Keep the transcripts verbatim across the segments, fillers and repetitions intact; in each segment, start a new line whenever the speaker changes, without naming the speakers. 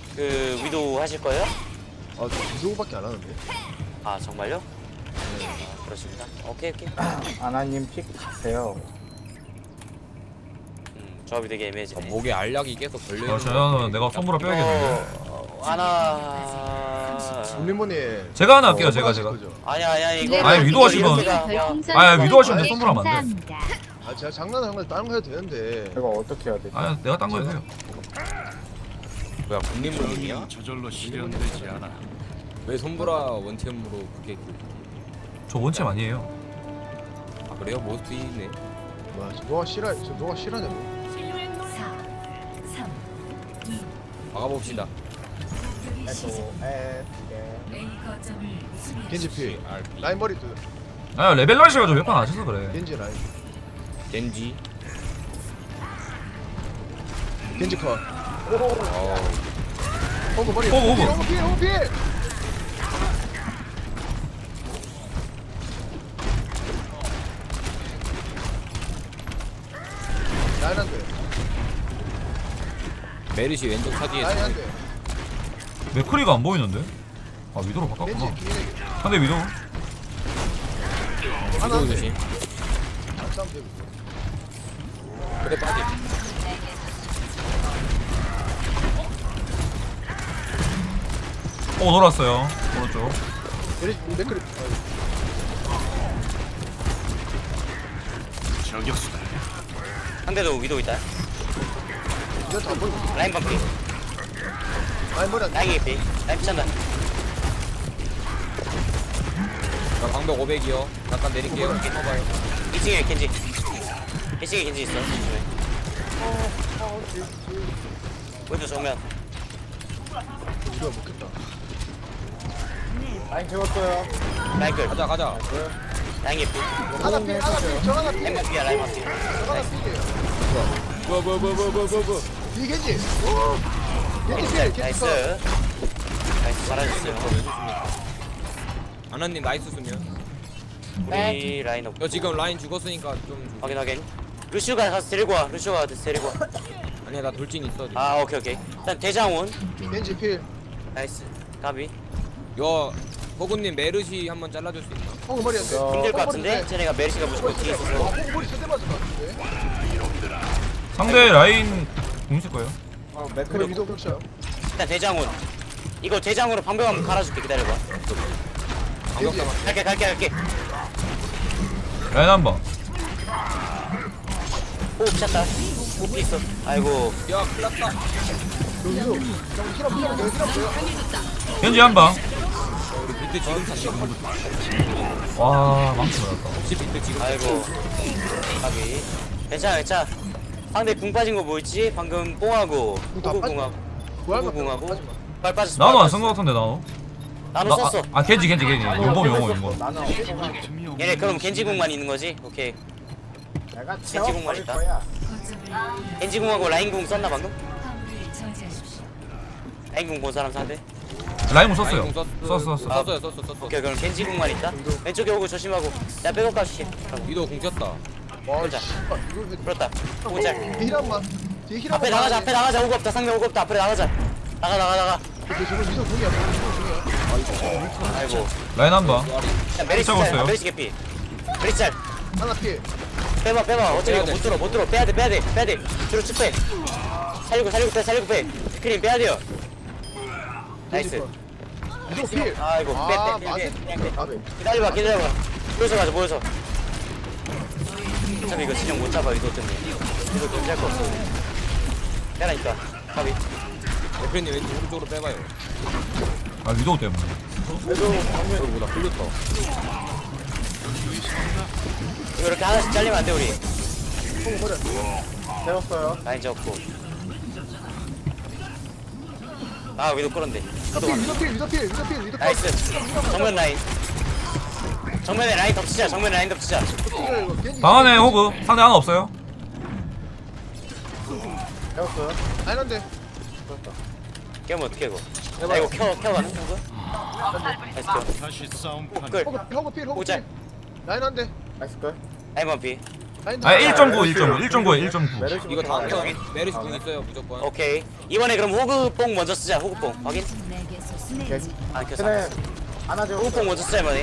그 위도 하실 거예요?
아, 저 위도우밖에 안 하는데.
아 정말요? 네. 아, 그렇습니다. 오케이 오케이.
아나님 픽 가세요.
음, 조합이 되게
아,
애매해지네.
목에 알약이 계속 걸려.
아, 저는 내가 손보라 빼야겠는데.
어, 하나.
울림머니.
제가 하나 할게요. 제가 제가.
아니야 아니야 이거.
아니, 위도 하시면- 아, 위도 하시면 돼, 손보라 하면 안 돼.
아, 제가 장난하는 건 다른 거 해도 되는데.
이거 어떻게 해야 되지?
아, 내가 딴 거 해도
뭐야 국립물이야?
저절로 실현되지 않아.
왜 손보라 원챔으로 그게
저 원챔 아니에요.
아 그래요? 모스트 이네.
뭐야, 저 너가 싫어, 저 너가 싫어하냐고.
막아봅시다.
에도 에스
겐지 필. 라인 머리 두.
아, 레벨 러시가지고 몇 판 안 하셔서 그래.
겐지 라인.
겐지.
겐지 컷.
어.
호그 머리.
호그, 호그.
호그 필, 호그 필. 라인 한 대.
메르시 왼쪽 사디에.
라인 한 대.
맥크리가 안 보이는데? 아, 위도로 바꿨구나.
겐지 뒤에.
상대 위도.
하나 한 대.
조심.
안 싸면 되고.
그래 빠지.
오, 돌았어요. 오른쪽.
메리, 맥크리.
저격수다.
상대도 위도 있다.
이거 다안 보이고.
라인 반피.
라인 머리 한 대.
라인 개피. 라인 피찬다.
나 방벽 오백이요. 잠깐 내릴게요. 커봐요.
이 층에 겐지. 이 층에 겐지 있어. 조심해. 위도 정면.
이거 먹겠다.
라인 채웠어요.
라인 끌.
가자 가자.
라인 개피.
하나 필, 하나 필, 저 하나 필.
라인 반피야 라인 반피.
저 하나 필이에요.
뭐야 뭐야 뭐야 뭐야 뭐야 뭐야.
이 겐지. 겐지 필, 겐지
나이스.
컷.
나이스 잘하셨어요.
아나님 나이스 수면.
우리 라인 없.
너 지금 라인 죽었으니까 좀.
확인 확인. 루시오가 가서 데리고 와. 루시오가 가서 데리고 와.
아니야 나 돌진 있어. 지금.
아 오케이 오케이. 일단 대장온.
겐지 필.
나이스. 가비.
요 호구님 메르시 한번 잘라줄 수 있나?
호그 머리 한 대.
힘들 것 같은데? 쟤네가 메르시가 무조건 뒤에 있어서.
호그 머리 세대 맞을 것 같은데.
상대 라인 공실 거예요.
어,
그래,
맥크리
위도 격차요.
일단 대장온. 이거 대장으로 방벽 한번 갈아줄게. 기다려봐.
방벽
겐지.
잡아.
갈게 갈게 갈게.
라인 한 번.
호흡 찼다. 호흡 있어. 아이고.
야 큰일났다.
저 위도. 저 힐업, 힐업 돼요, 힐업 돼요.
겐지 한 방.
우리 비트 지금 탔어.
와, 망치 맞았다.
혹시 비트 지금
아이고. 가비. 괜찮아 괜찮아. 상대 궁 빠진 거 뭐였지? 방금 뽕하고
다
호구
빠진
궁하고
구할
호구
만
궁하고
빠지 마.
빨 빠졌어.
나도
빨
안 쓴 거 같은데, 나도.
나도
나-
썼어.
아, 아, 겐지, 겐지, 겐지. 용범, 용범, 용범.
나는
얘네 그럼 겐지 궁만 있는 거지? 오케이.
내가
겐지공만
채워버릴
있다.
거야.
겐지 궁하고 라인 궁 썼나 방금? 라인 궁 본 사람 상대?
라인 공 썼어요.
라인 공
썼어, 썼어.
썼어요 썼어 썼어.
오케이 그럼 겐지 궁만 있다. 왼쪽에 오고 조심하고. 나 백업 가줄게.
위도 공쳤다.
와,
보자.
씨발, 이걸 왜.
그렇다. 보자.
뒤에 힐 한번. 뒤에 힐
앞에
한번.
나가자. 앞에 나가자. 오고 없다. 상대 오고 없다. 앞에 나가자. 나가 나가 나가.
근데 저거 위도 공이야, 위도 공이야.
아이고.
라인 한 방.
야, 메리시
잡았어요.
짤. 메리시 개피. 메리시 짤.
하나 필.
빼봐 빼봐. 어차피
빼야
이거
돼.
못 들어 못 들어. 빼야 돼 빼야 돼 빼야 돼. 뒤로 쭉 빼. 살리고 살리고 빼 살리고 빼. 스크린 빼야 돼요. 나이스.
위도 필.
아이고
아,
빼빼빼
맞아.
빼. 그냥 빼.
아, 네.
기다려봐 기다려봐. 모여서 가자 모여서. 어차피 이거 진영 못 잡아 이거 때문에. 이거 견제할 거 없어. 빼라니까. 가비.
대표님 왼쪽 오른쪽으로 빼봐요.
아, 위도우 때문에.
저보다 풀렸다.
이거 이렇게 하나씩 잘리면 안 돼 우리.
호그 머리 한 대.
채웠어요.
라인 잡고. 아 위도 끌었는데.
위도 필, 위도 필, 위도 필, 위도 필, 위도 필.
나이스. 정면 라인. 정면에 라인 덮치자. 정면에 라인 덮치자.
이거, 이거 겐지.
방 안에 호그. 상대 하나 없어요.
채웠어요.
라인 한 대.
깨면 어떻게 이거? 나 이거 켜 켜가는 건가? 나이스 켜.
다시 싸움판.
끌.
호그, 호그 필, 호그
오자.
필. 라인 한 대.
나이스 걸.
라인 반피.
아 일 점 구 일 점 구 일 점 구에 일 점 구.
메르시
이거 다음 턴
턴
메르시 궁 있어요 무조건.
오케이. 이번에 그럼 호그뽕 먼저 쓰자. 호그뽕 확인. 아 켰어.
쟤네 안아줘.
호그뽕 먼저 쓰자 이번에.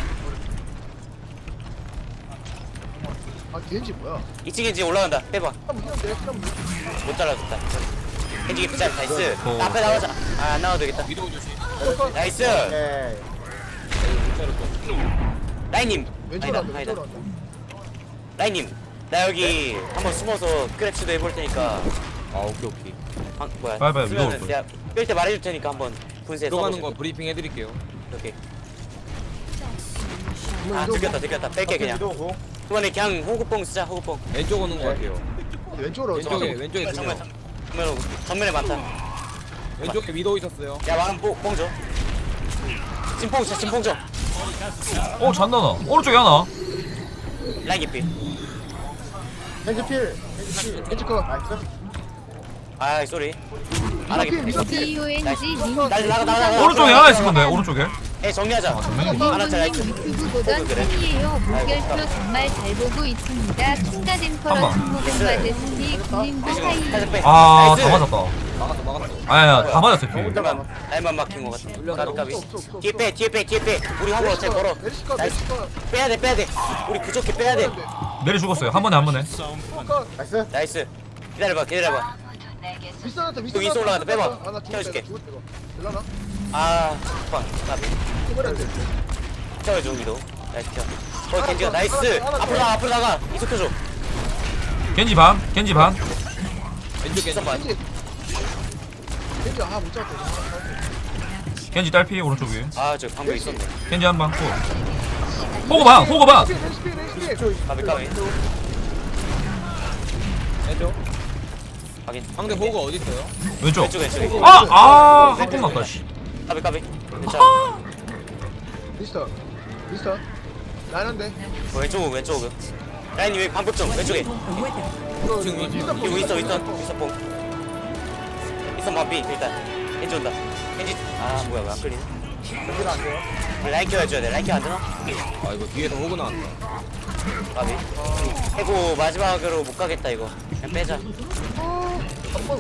아 겐지 뭐야?
이 층에 이제 올라간다. 빼봐.
한번 이겼는데 한번
못 잘라줬다. 겐지 기자 나이스.
어.
나 앞에 나가자. 아 안 나와도 되겠다.
위도우 조심.
나이스.
오케이.
못 자르죠.
라인님.
왼쪽으로
아니다
한다
아니다.
왼쪽으로 한다.
라인님. 나 여기 한번 숨어서 크랩치도 해볼 테니까.
아 오케이 오케이.
아, 뭐야?
빨리, 빨리,
쓰면은
위로 올
내가 뺄 때 말해줄 테니까 한번 분쇄
들어가는
써보자.
거 브리핑 해드릴게요.
오케이.
이거
아
이거
들켰다 들켰다. 뺄게 그냥.
위도우 공.
이번에 그냥 호구뽕 쓰자 호구뽕.
왼쪽 오는 거 같아요.
왼쪽으로
왼쪽에
왼쪽.
왼쪽에 두
정면
명.
정면 정면에 많다.
왼쪽에 위도우 있었어요.
야 왕은 뽕, 뽕 줘. 진뽕 줘 진뽕 줘.
어 잔나나. 오른쪽에 하나.
라인 깊이.
겐지 필. 겐지 필.
겐지 거.
나이스.
아이 쏘리. 안
미더 필
하겠다.
미더 필.
디 오 엔 지 님
나가 나가 나가 나가.
오른쪽에 하나 있을 건데 오른쪽에.
에 정리하자.
아 정면이.
하나 짜 나이스.
유튜브 보던
어, 그래?
팬이에요. 물결표
아이고,
정말 잘 보고 있습니다. 킹가덴퍼러
한 번.
승모공 받으시니 군님도 하이.
살짝 빼.
아
나이스.
다 맞았다.
막았어 막았어.
아야 다 맞았어 피.
잠깐만. 라인만 막힌 것 같아.
올려서
까비 까비.
없어, 없어, 없어.
뒤에 빼 뒤에 빼 뒤에 빼. 우리 화물 어차피 걸어.
메르시 거
나이스.
메르시 거.
빼야 돼 빼야 돼. 우리 부족해 빼야 돼.
내리 죽었어요. 한 번에 한 번에.
거.
나이스.
나이스. 기다려봐 기다려봐.
비싸놨다
또 위로 올라간다, 빼봐.
아나
태워줄게.
일라나?
아 방. 까비.
해버려 돼.
태워줘 우리도. 나이스 태워. 어 겐지가 나이스. 앞으로 나가 앞으로 나가. 이속해줘.
겐지 반. 겐지 반.
왼쪽 왼쪽.
봐.
겐지. 겐지 아못 잡았다.
겐지 딸피 오른쪽 위에.
아저 방금 있었네.
겐지 한 방. 또. 호그 반. 호그 반.
메르시 필 메르시 필.
까비 까비.
왼쪽.
확인.
상대 호그 어디 있어요?
왼쪽.
왼쪽 왼쪽에.
아아 한번 났다 씨.
까비 까비. 괜찮아.
미스터. 미스터. 나는데.
어, 왼쪽 오그 왼쪽 오그. 라인 왜 방법 좀 왼쪽에.
이거
지금 이-
미스터
이거 있어 있어 있어 뽕. 있어 마비 일단. 겐지 온다. 겐지. 아 뭐야 왜 안 끌리네.
여기는 안 돼요.
라인 켜줘야 돼. 라인 켜안 되나?
아 이거 뒤에서 호그 나왔다.
까비. 해고 마지막으로 못 가겠다 이거. 그냥 빼자.
한번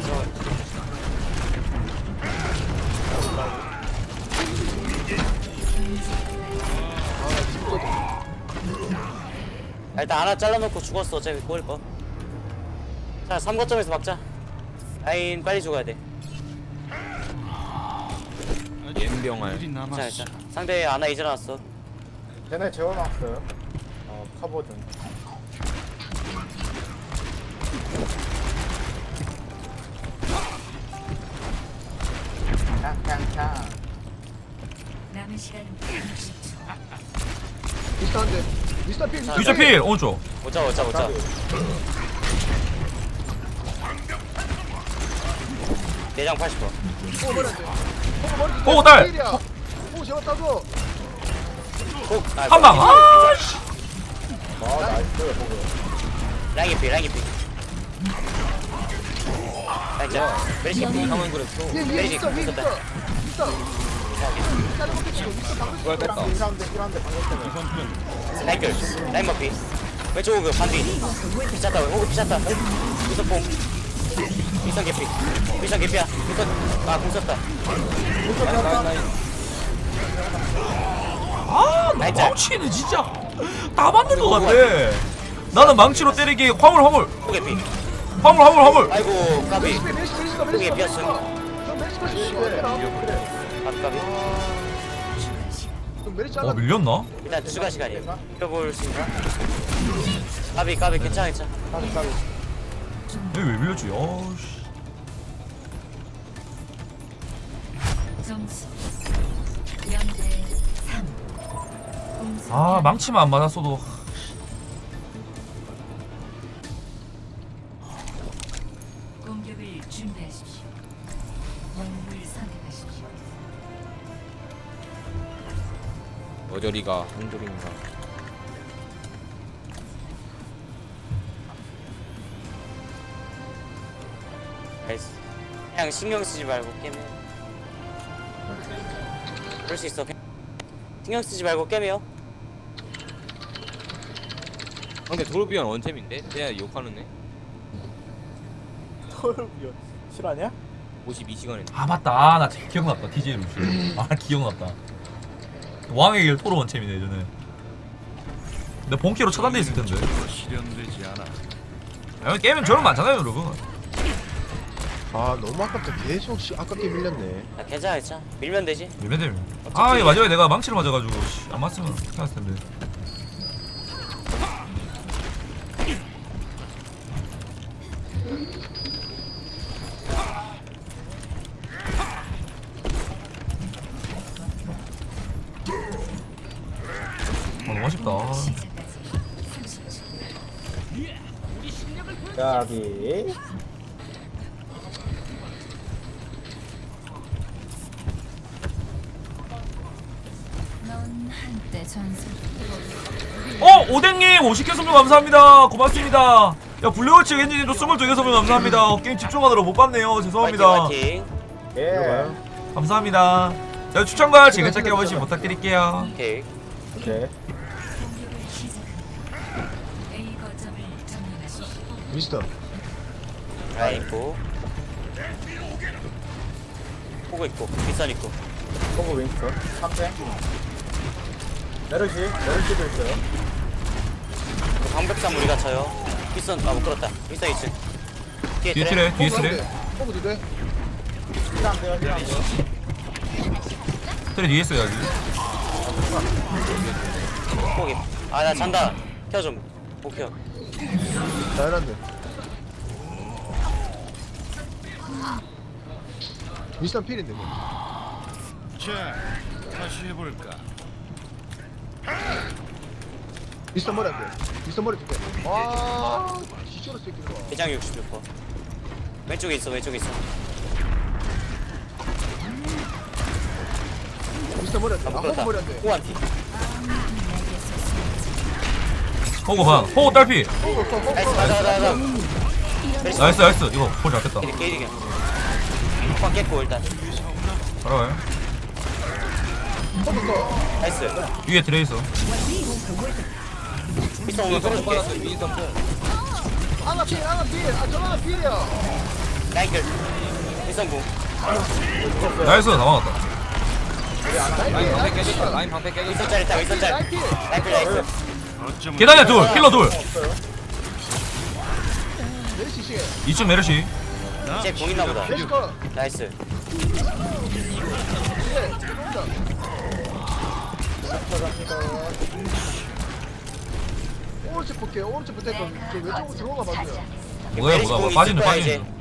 아, 일단 하나 잘라놓고 죽었어. 어차피 꼬일 거. 자 삼 거점에서 막자. 라인 빨리 죽어야 돼.
옌병알.
일이
자
남았어.
일단 상대 아나 이제 나왔어.
쟤네 재워놨어요. 어 커버 좀. 탕탕탕.
미스터 한대. 미스터 필. 미스터
유저 필 오른쪽.
오자 오자 오자. 내장 팔십 번.
오 머리 안 돼. 오 머리.
오, 딸.
필이야. 오 재웠다고.
꼭. 아,
한 방.
뭐야.
아 씨.
아 나이스. 호그.
라인 개피 라인 개피. 라인 자. 메리시 개피.
상황 그랬어.
위에 위에
메리시
미스터 위에 미스터.
있었다.
미스터. 다른 것도 치고 미스터 방금.
그걸 뺐다.
필요한데 필요한데 방금 때문에.
라인 결. 라인 머피. 왼쪽 오그 반뒤. 피쳤다. 오그 피쳤다. 미선 뽕. 미선 개피. 미선 개피야. 미선. 아공 썼다.
라인 라인.
아
라인 짤.
망치는 진짜 다 맞는 것 같아. 나는 망치로 때리기 화물 화물
오 개피.
화물 화물 화물.
아이고 까비.
메리시 메리시 메리시 거
그게
메리시 거.
비었어.
저 메리시 거 치고 어디나?
까비 까비.
좀 메리시
어
하나.
밀렸나?
일단 추가 시간이야. 펴볼 수 있나? 까비 까비 괜찮아 괜찮아.
까비 까비.
여기 왜 밀렸지? 어씨.
점수 영 대 삼.
아 망치만 안 맞았어도.
공격을 준비하십시오. 영웅을 선택하십시오.
어저리가 한줄인가.
나이스. 그냥 신경 쓰지 말고 게임해. 그럴 수 있어. 그냥 신경 쓰지 말고 게임해요.
근데 도르비언 원템인데? 내가 욕하는 애?
토르비언 실화냐?
오십이 시간에
아 맞다. 아, 나 기억났다. 디제이 루시. 아 기억났다. 왕의 길 토로 원챔이네 예전에. 근데 본캐로 차단돼 있을 텐데.
실현되지 않아.
야, 게임은 저런 거 많잖아요 여러분.
아 너무 아깝다. 계속 씨, 아깝게 밀렸네.
야 괜찮아 괜찮아 밀면 되지.
밀면 되면. 아 이거 마지막에 내가 망치를 맞아가지고 씨, 안 맞으면 괜찮았을 텐데. 아 너무 아쉽다.
야비.
넌 한때 전설.
어 오뎅님 오십 개 선물 감사합니다. 고맙습니다. 야 블루워치 엔진님도 스물두 개 선물 감사합니다. 어, 게임 집중하느라 못 봤네요. 죄송합니다.
파이팅 파이팅.
예.
감사합니다. 야 추천과 즐겨찾기 한 번씩 부탁드릴게요.
오케이.
오케이.
공격을 시작합니다. A 거점을 점령하십시오.
미스터.
라인 있고. 호그 있고 윗선 있고.
호그 윈스턴. 삼탱. 메르시. 메르시도 있어요.
그 방백삼 우리가 쳐요. 윗선 아못 끌었다. 윗선 있음. 뒤에
뒤에
트레.
트레 뒤에 트레
호구 두 대.
힐안 돼요. 힐안 돼요.
트레 뒤에 있어요 여기.
호그. 아나 잔다. 켜 좀. 못 켜.
잘한데. 미스터 필인데. 뭐.
자, 다시 해볼까.
미스터 머리 안 돼. 미스터 머리 두 개. 아, 지저로 새끼들 봐.
대장 육십육 퍼. 왼쪽에 있어 왼쪽에 있어.
미스터 머리 안 돼.
아
아,
못
호구
끌었다.
머리 안 돼.
호그 한티.
호구 반 호구 딸피.
호구 없어. 호구
나이스
없어.
가자 가자 가자.
나이스 나이스 이거 볼 잡겠다.
게이득 게이득이야. 호박 깼고 일단.
알아요.
호구 없어.
나이스.
위에 트레 있어.
윗선 오면
윈스턴
끌어줄게.
받았어 윈스턴 뽕
하나 필, 하나 필. 아, 저 하나 필이야.
라인 끌. 윗선 공.
나이스 다 막았다.
라인 방패 깨졌다 라인 방패 깨졌다
윗선 짤 있다 윗선 짤.
라인 필.
라인 끌 나이스.
어쩜
계단에 둘 힐러 둘.
메르시 씨.
이층 메르시.
이제 공 있나 보다.
메르시 거.
나이스.
예, 들어온다. 오른쪽 볼게요. 오른쪽 붙을 거. 저 왼쪽으로 들어가 봐줘요.
뭐야
메리시
뭐야
공
빠지네
있을 거야, 이제.
빠지네.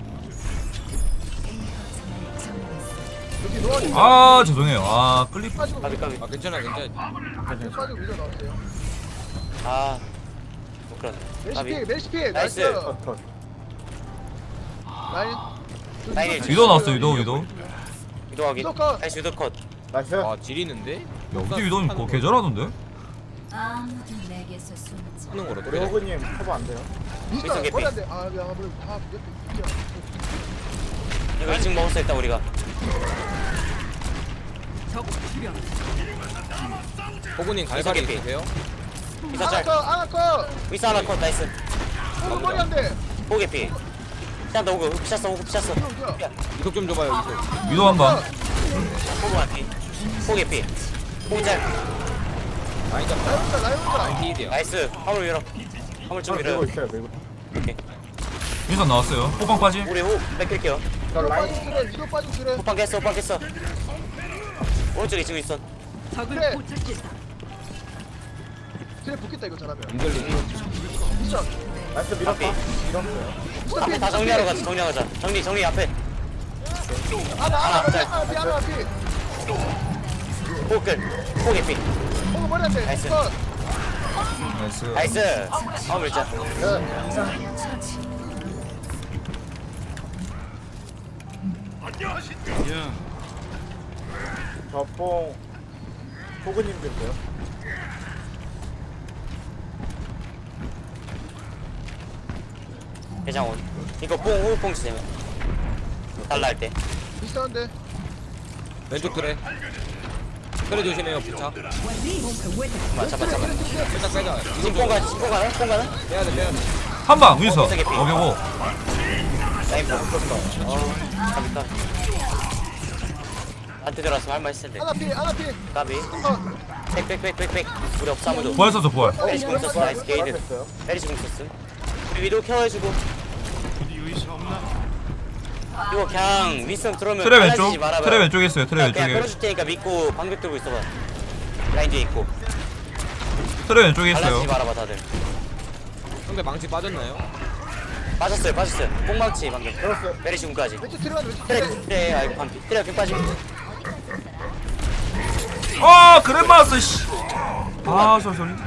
여기 노안이
아 죄송해요. 아 클립.
빠지고
까비 까비.
아 괜찮아 괜찮아
빠지고 위로 나왔어요.
아. 못 끌었네.
메르시
까비.
필, 메르시 필.
나이스.
나이스.
컷, 컷.
라인.
라인
위도 나왔어 위도 위도.
위도 확인.
위도 컷.
나이스 위도 컷.
나이스.
아 지리는데?
야 우리 위도는 뭐 개잘하던데?
아무도 내게서 숨지.
하는 거로
우리
그래
호그님 커버 안 돼요.
미스터
윗선 개피.
머리 안 돼. 아, 야, 머리 다 옆에 있죠.
이거 이 층 먹을 수 있다 우리가.
호구님 갈갈이
개피.
있으세요?
윗선
하나
짤.
컷, 하나 컷.
윗선 하나 컷 나이스.
호구 머리 안 돼.
호그 피. 피한다 호그. 호그 피쳤어 호그 피쳤어.
형, 형.
이속 좀 줘봐요 이속
위도 한 방.
호그 한 피. 호그 피. 호그 짤.
라인 잡자
라인 온다, 라인 온다.
라인 피일이야
나이스. 화물 밀어. 화물 좀 밀어요.
밀고 있어요. 밀고.
오케이.
윈선 나왔어요. 호빵 빠짐.
우리 호그 뺏길게요.
저
위로
라인.
빠지고 그래, 위로 빠지고 그래.
호빵 깼어 호빵 깼어. 오른쪽에 지금 있어.
그래. 그래, 붙겠다 이거 잘하면.
인들리
미스터.
나이스 밀었다.
앞에.
밀었어요.
미스터
앞에
필,
다
미스터
정리하러
필.
가자 정리하러 가자. 정리 정리 앞에.
하나,
하나,
하나,
짤.
하나, 필, 하나, 필.
호그 끌. 호그 피.
호구 머리 안 돼.
나이스.
컷.
나이스.
나이스. 화물 짤.
야,
저뽕 호그님도 있어요.
대장원. 이거 뽕 호그 뽕 주세요. 달라 할 때.
미스터 한 대.
왼쪽 그래 그래 조심해요 부착.
잠깐만 잠깐만 잠깐만
살짝 빼자.
지금 뽕 가는 뽕 가는 뽕 가는
빼야 돼 빼야 돼.
한방 윈서.
어, 비싸게
오케이고.
라인 뽕 어, 가비까 한테 들어왔으면 할말 있을 텐데
하나 피 하나 피
까비
어,
백백백백백 우리 없어 아무도
부활 썼어 부활.
메리시 공 썼어 나이스 게이드
됐어요.
메리시 공 썼음 우리 위도 케어해주고
어디 의사 없나?
이거 그냥 윈스턴 들어오면
트레 왼쪽.
빨라지지 말아봐요.
트레 왼쪽에 있어요. 트레
그냥, 그냥
왼쪽에.
끌어줄 테니까 믿고 방벽 들고 있어봐 라인 뒤에 있고
트레 왼쪽에 있어요.
갈라지지 말아봐 다들
상대 망치 빠졌나요?
빠졌어요 빠졌어요 뽕망치 방금
들었어요.
메리시 공까지
왼쪽 들어가는 왼쪽
트레
들어가는
트레 아이고 반피 트레 그 빠지고
아 그래 맞았어 씨. 아 쏘리 쏘리.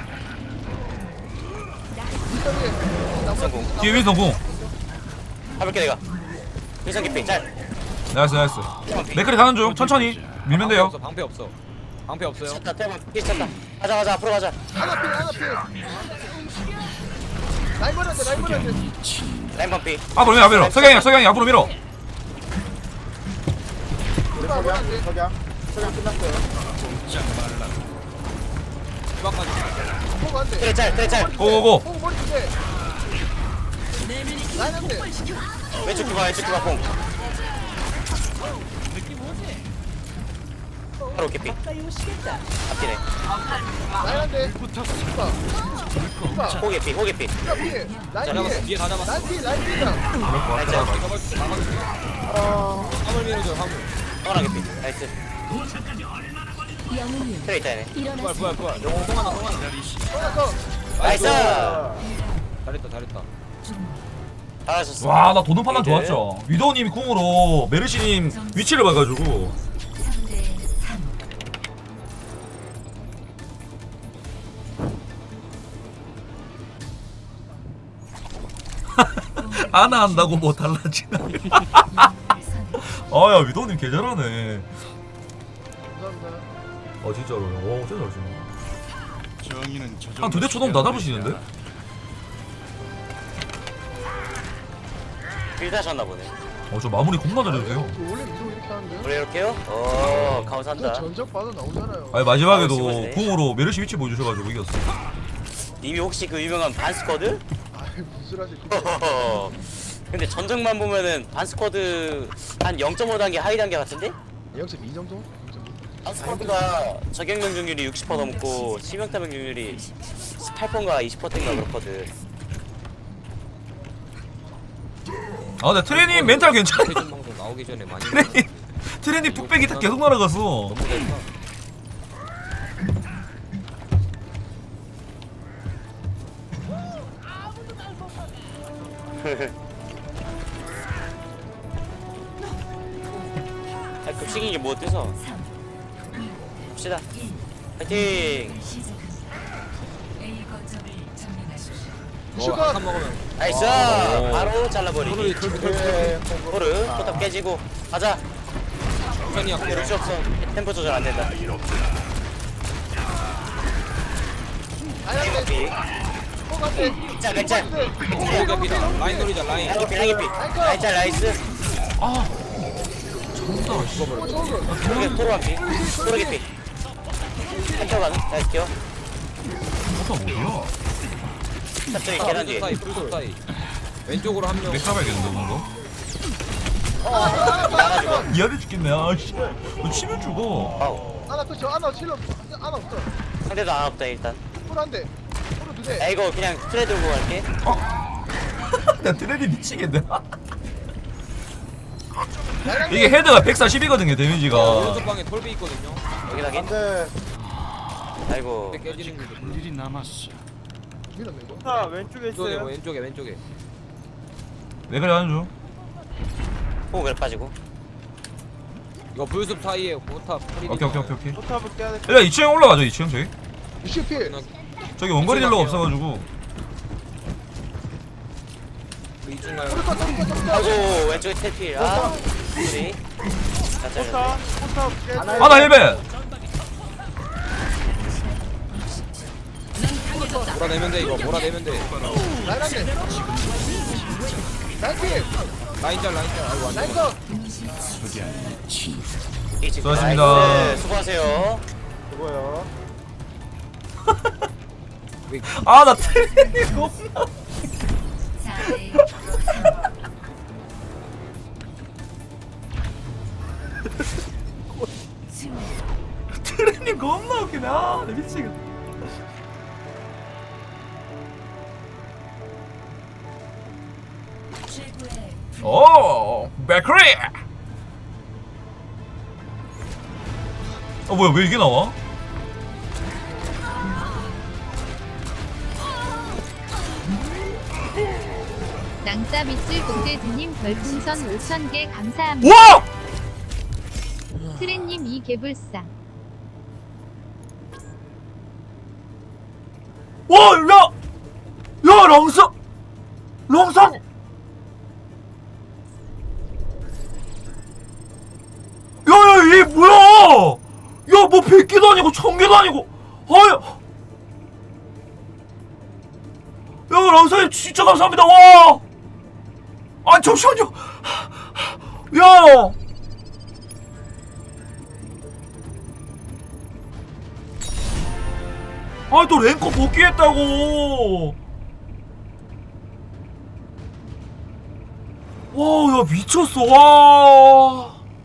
성공
뒤에 윈서 공.
가볼게 내가 윈선 깊이 짤
나이스 나이스. 맥크리 가는 중. 천천히 밀면
방패
돼요.
없어 방패 없어. 방패 없어요.
찼다 태만 피 찼다 가자 가자 앞으로 가자
하나 피 하나 피 라인 버렸대 라인 버렸대
라인 반피
앞으로 밀어 앞으로. 석양이 석양이 앞으로 밀어.
우리 석양, 석양. 석양 끝났어요.
주방까지.
포가 안돼
트레 짤 트레 짤
고고고.
포가 머리 주대 라인 안돼
왼쪽 뒤봐 왼쪽 뒤봐 뽕 바로 깊이 앞뒤네
라인 안돼
호 깊이 호 깊이
피 라인
잡았어.
피
뒤에 다 잡았어.
라인 피 라인 피다
라인 짤
잡았어. 잡았어. 화물 밀어줘 화물.
하나 깊이 나이스 트레 있다 얘네
부활 부활 부활. 영웅 통하나 통하나.
하나 더
나이스
잘했다 잘했다.
잘하셨어
와 나 도는 판단 좋았죠. 위도우님이 궁으로 메르시님 위치를 봐가지고. 아나 한다고 뭐 달라지나. 아야 위도우님 개 잘하네.
감사합니다
어 진짜로. 오 진짜 잘하시네.
정의는 저
한 두 대 초동 다 잡으시는데?
빌 하셨나 보네
어 저 마무리 겁나 잘해주세요.
원래 위로 이렇게 하는데
우리 이렇게요? 어 감사한다
전적 봐도 나오잖아요
아니 마지막에도
아, 진짜네.
궁으로 메르시 위치 보여주셔가지고 이겼어.
님이 혹시 그 유명한 반스쿼드?
아이 무슨 하지
근데 전적만 보면은 반스쿼드 한 영 점 오 단계 하위 단계 같은데?
영점 이 정도?
반스쿼드가 적용 명중률이 육십 퍼센트 넘고 치명타 명중률이 십팔 퍼센트인가 이십 퍼센트인가 그렇거든
아 근데 트레님 멘탈 괜찮아.
최종 방송 나오기 전에 많이.
트레님 트레님 뚝배기 다 계속 날아갔어.
너무 됐다.
아, 급식인 게 뭐 어때서? 봅시다 파이팅!
A 거점을 점령하십시오.
뭐 한 먹으면.
나이스!
오.
바로 잘라버리기
예,
호르 포탑 깨지고 가자
천천히 할게요.
그럴 수 없어 템포 조절 안 된다
라인 안돼
피
포가 안돼
짤 맥짤
오 개피다. 라인 노리자 라인.
라이피 라이피 라이짤 나이스 토르게 토르 피 토르게 피 한쪽 가는 나이스 켜
포탑 뭐야?
탑쪽에 계단 뒤에
사이 풀숲 사이. 왼쪽으로 한 명.
맥 잡아야겠는데 뭔가?
나가지고
미안해 죽겠네. 아씨. 너 치면 죽어.
아우
하나 또저 하나 칠러 하나 없어
상대도 안 없다 일단
포로 안돼 포로 두대
야 이거 그냥 트레 들고 갈게
나 트레니 미치겠네.
라인 안돼
이게 헤드가 백사십이거든요 데미지가.
오른쪽 방에 톨비 있거든요.
여기 나긴
안돼.
아이고
근데 깨지는 게.
볼 일이 남았어.
밀었네 이거
자 왼쪽에
왼쪽에
있어요.
왼쪽에 왼쪽에.
왜 그래 하는 중?
호흡을 빠지고
이거 불숲 사이에 포탑.
오케이 오케이 오케이 오케이.
포탑을 깨야 돼.
일단 이 층에 올라가죠 이 층 저기.
유시 피
저기 원거리 딜러가 없어가지고.
이중 가요.
포로 떴다 포로 떴다
아이고 왼쪽에 테필 아 우리 다 잘렸네
포탑 포탑 깨.
아나 힐벤.
몰아내면 돼 이거 몰아내면 돼.
라인 안돼 라인 피
라인 짤 라인 짤. 아이고 안
라인
돼.
컷
이 집.
수고하셨습니다.
나이스. 수고하세요
죽어요.
아, 나 트레이 겁나.
사 대 삼.
트레이 겁나 웃기네. 아, 나 미치겠다.
최고의
오, 맥크리. 어, 뭐야, 왜 이게 나와?
낭자 밑줄 공대드님 별풍선 오천 개 감사합니다.
와!
트렌님 이 개불상.
와, 야! 야, 랑사! 랑사! 야, 야, 얘 뭐야! 야, 뭐 백 개도 아니고 천 개도 아니고! 아야! 야, 랑사님 진짜 감사합니다, 와! 아, 잠시만요! 야! 아, 또 랭커 복귀했다고! 와, 야, 미쳤어, 와!